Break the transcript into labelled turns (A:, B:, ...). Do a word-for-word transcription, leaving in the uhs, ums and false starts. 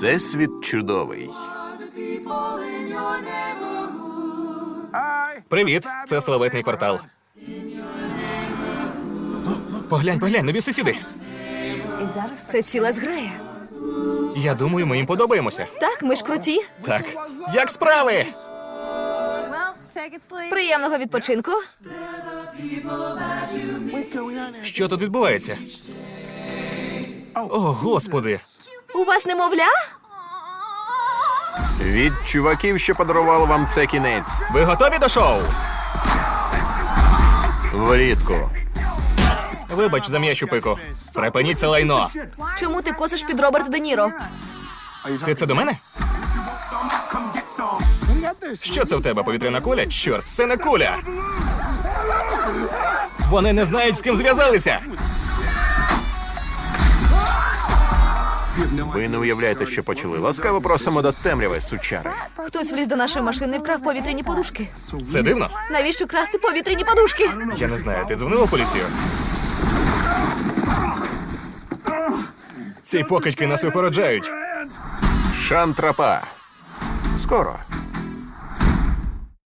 A: Всесвіт чудовий.
B: Привіт, це славетний квартал. Поглянь, поглянь, нові сусіди.
C: Це ціла зграя.
B: Я думаю, ми їм подобаємося.
C: Так, ми ж круті.
B: Так. Як справи?
C: Приємного відпочинку.
B: Що тут відбувається? О, Господи.
C: У вас немовля?
A: Від чуваків, що подарували вам це кінець.
B: Ви готові до шоу?
A: Влітку.
B: Вибач за м'ячу пику. Припиніть це лайно.
C: Чому ти косиш під Роберта Де Ніро?
B: Ти це до мене? Що це в тебе, повітряна куля? Чорт, це не куля. Вони не знають, з ким зв'язалися.
A: Ви не уявляєте, що почали. Ласкаво просимо до темряви, сучари.
C: Хтось вліз до нашої машини і вкрав повітряні подушки.
B: Це дивно?
C: Навіщо красти повітряні подушки?
B: Я не знаю, ти дзвонила в поліцію? Ці покидьки нас випереджають.
A: Шантрапа. Скоро.